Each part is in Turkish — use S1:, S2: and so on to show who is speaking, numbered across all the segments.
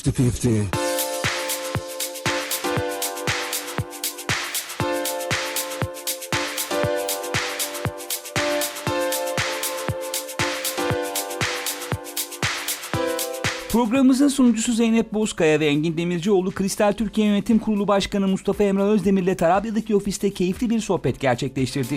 S1: 50-50.
S2: Programımızın sunucusu Zeynep Bozkaya ve Engin Demircioğlu, Kristal Türkiye Yönetim Kurulu Başkanı Mustafa Emrah Özdemir ile Tarabya'daki ofiste keyifli bir sohbet gerçekleştirdi.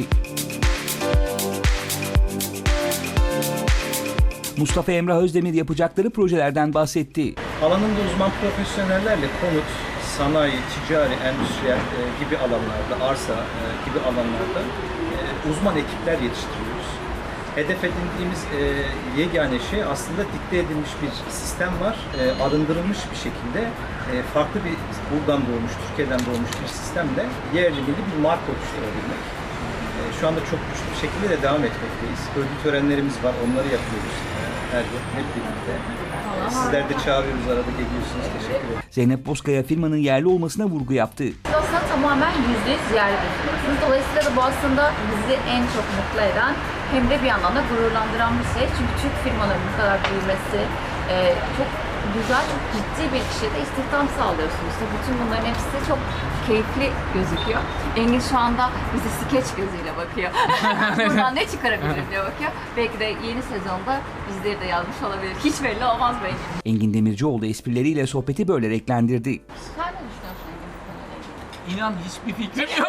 S2: Mustafa Emrah Özdemir yapacakları projelerden bahsetti.
S3: Alanında uzman profesyonellerle konut, sanayi, ticari, endüstriyel gibi alanlarda, arsa gibi alanlarda uzman ekipler yetiştiriyoruz. Hedef edindiğimiz yegane şey aslında dikte edilmiş bir sistem var. Arındırılmış bir şekilde farklı bir buradan doğmuş, Türkiye'den doğmuş bir sistemle yerli milli bir marka oluşturabilmek. Şu anda çok güçlü bir şekilde de devam etmekteyiz. Ödül törenlerimiz var, onları yapıyoruz her yıl hep birlikte. Sizler de çağırıyoruz, arada geliyorsunuz. Teşekkür ederim.
S2: Zeynep Bozkaya firmanın yerli olmasına vurgu yaptı.
S4: Aslında tamamen %100 yerli bir firmasınız. Dolayısıyla da bu aslında bizi en çok mutlu eden hem de bir yandan da gururlandıran bir şey. Çünkü Türk firmaların bu kadar büyümesi çok güzel, çok ciddi bir kişide istihdam sağlıyorsunuz. Bütün bunların hepsi çok keyifli gözüküyor. Engin şu anda bize skeç gözüyle bakıyor. Buradan ne çıkarabilirim diye bakıyor. Belki de yeni sezonda bizleri de yazmış olabilir. Hiç belli olmaz belki.
S2: Engin Demircioğlu esprileriyle sohbeti böyle renklendirdi.
S4: Sen ne düşünüyorsun Engin bu konuyla ilgili?
S5: İnan hiçbir fikrim yok.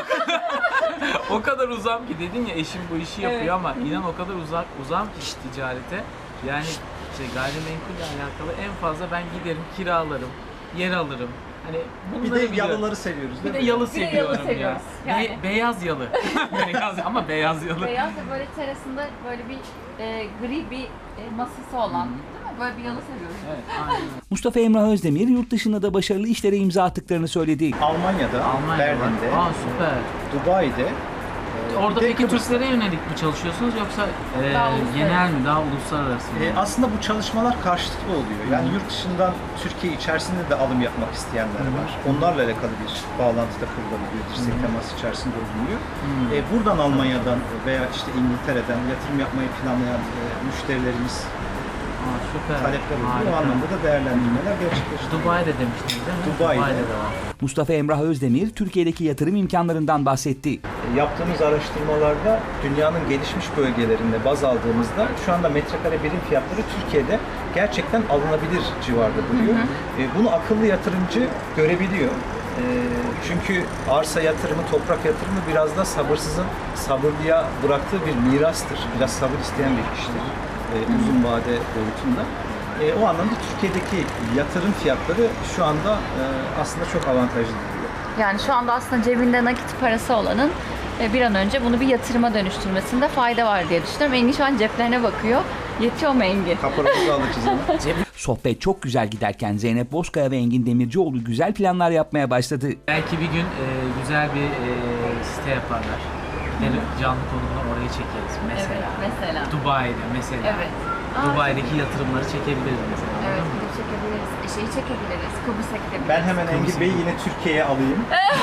S5: O kadar uzam ki, dedin ya eşim bu işi yapıyor,
S4: Evet.
S5: ama inan o kadar uzam ki iş ticarete. Yani gayrimenkulle alakalı en fazla ben giderim, kiralarım, yer alırım. Hani
S3: Bir
S5: bunları
S3: de
S5: biliyorum.
S3: yalıları seviyoruz
S5: Bir
S3: değil
S5: de
S3: mi?
S5: yalı
S4: Bir de yalı
S5: seviyorum ya.
S4: seviyoruz. Yani.
S5: Beyaz yalı. Beyaz ama beyaz yalı.
S4: Beyaz da böyle terasında böyle bir gri bir masası olan, değil mi? Böyle bir yalı seviyoruz.
S5: Evet, aynen.
S2: Mustafa Emrah Özdemir yurt dışında da başarılı işlere imza attıklarını söyledi.
S3: Almanya'da, Berlin'de,
S5: Aa, süper.
S3: Dubai'de.
S5: Orada
S3: bir de
S5: peki
S3: Kıbrıs'ta.
S5: Türklere yönelik mi çalışıyorsunuz, yoksa
S4: Daha uluslararası.
S5: genel mi, daha uluslararası mı?
S3: Aslında bu çalışmalar karşılıklı oluyor. Yani yurt dışından Türkiye içerisinde de alım yapmak isteyenler var. Onlarla alakalı bir bağlantıda kurulabiliyor. Dirsek teması içerisinde olunuyor. Buradan Almanya'dan veya işte İngiltere'den yatırım yapmayı planlayan müşterilerimiz
S5: Aa, süper.
S3: talepler oluyor.
S5: Harika.
S3: O anlamda da değerlendirmeler gerçekleştiriyor.
S5: Dubai'de demiştiniz değil mi?
S3: Dubai'de.
S5: de var.
S2: Mustafa Emrah Özdemir Türkiye'deki yatırım imkanlarından bahsetti.
S3: Yaptığımız araştırmalarda dünyanın gelişmiş bölgelerinde baz aldığımızda şu anda metrekare birim fiyatları Türkiye'de gerçekten alınabilir civarda duruyor. Bunu akıllı yatırımcı görebiliyor. Çünkü arsa yatırımı, toprak yatırımı biraz da sabırsızın sabırlıya bıraktığı bir mirastır. Biraz sabır isteyen bir iştir uzun vade boyutunda. O anlamda Türkiye'deki yatırım fiyatları şu anda aslında çok avantajlı duruyor.
S4: Yani şu anda aslında cebinde nakit parası olanın bir an önce bunu bir yatırıma dönüştürmesinde fayda var diye düşünüyorum. Engin şu an ceplerine bakıyor. Yetiyor mu Engin?
S3: Kaparamızı alacağız ama.
S2: Sohbet çok güzel giderken Zeynep Bozkaya ve Engin Demircioğlu güzel planlar yapmaya başladı.
S5: Belki bir gün güzel bir site yaparlar. Canlı konumda orayı çekeriz mesela.
S4: Evet, mesela.
S5: Dubai'de mesela.
S4: Evet.
S5: Dubai'deki yatırımları çekebiliriz mesela.
S4: Evet,
S5: anladın mı?
S4: gidip çekebiliriz. Şeyi çekebiliriz, Kıbrıs'a gidebiliriz.
S3: Ben hemen Engin Bey'i yine Türkiye'ye alayım.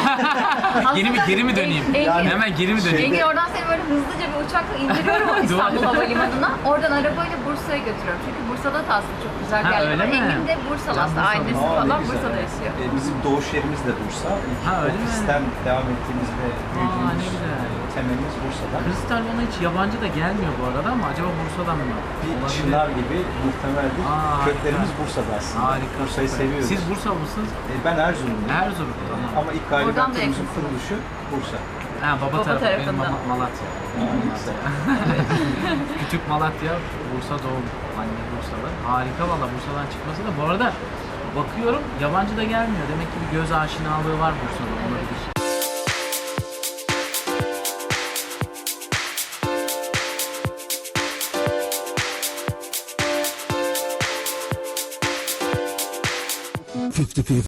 S5: Geri mi döneyim?
S4: Engin,
S5: Hemen geri mi döneyim?
S4: Engin oradan seni böyle hızlıca bir uçakla indiriyorum o İstanbul Havalimanı'na. Oradan arabayla Bursa'ya götürüyorum. Çünkü Bursa'da da aslında çok güzel
S5: Ha,
S4: yerler
S5: öyle
S4: var.
S5: mi?
S4: Engin de Bursalı
S5: Can
S4: aslında.
S5: Bursalı.
S4: Ailesi
S3: Aa, ne
S4: falan
S3: güzel.
S4: Bursa'da yaşıyor.
S3: Bizim doğuş yerimiz de Bursa.
S5: Ha, öyle mi?
S3: Ofisten devam ettiğimiz ve
S5: ne
S3: büyüdüğümüz
S5: güzel.
S3: temelimiz Bursa'da.
S5: Kristal bana hiç yabancı da gelmiyor bu arada, ama acaba Bursa'dan mı?
S3: Bir
S5: Olabilir.
S3: çınar gibi muhtemeldir.
S5: Aa,
S3: Köklerimiz Bursa'da aslında.
S5: Harika.
S3: Bursa'yı
S5: süper.
S3: seviyoruz.
S5: Siz Bursa mısınız?
S3: Ben Erzurumluyum.
S5: Erzurum. Tamam.
S3: Ama ilk
S4: Oradan da
S3: gayrimenkulimizin
S4: yakınsınız.
S3: kuruluşu Bursa.
S5: Ha, baba tarafı benim
S4: tarafından.
S5: Malatya.
S3: Güzel.
S5: Küçük Malatya, Bursa doğum. Anne Bursa'da. Harika valla Bursa'dan çıkması da. Bu arada bakıyorum yabancı da gelmiyor. Demek ki bir göz aşinalığı var Bursa'da. Olabilir.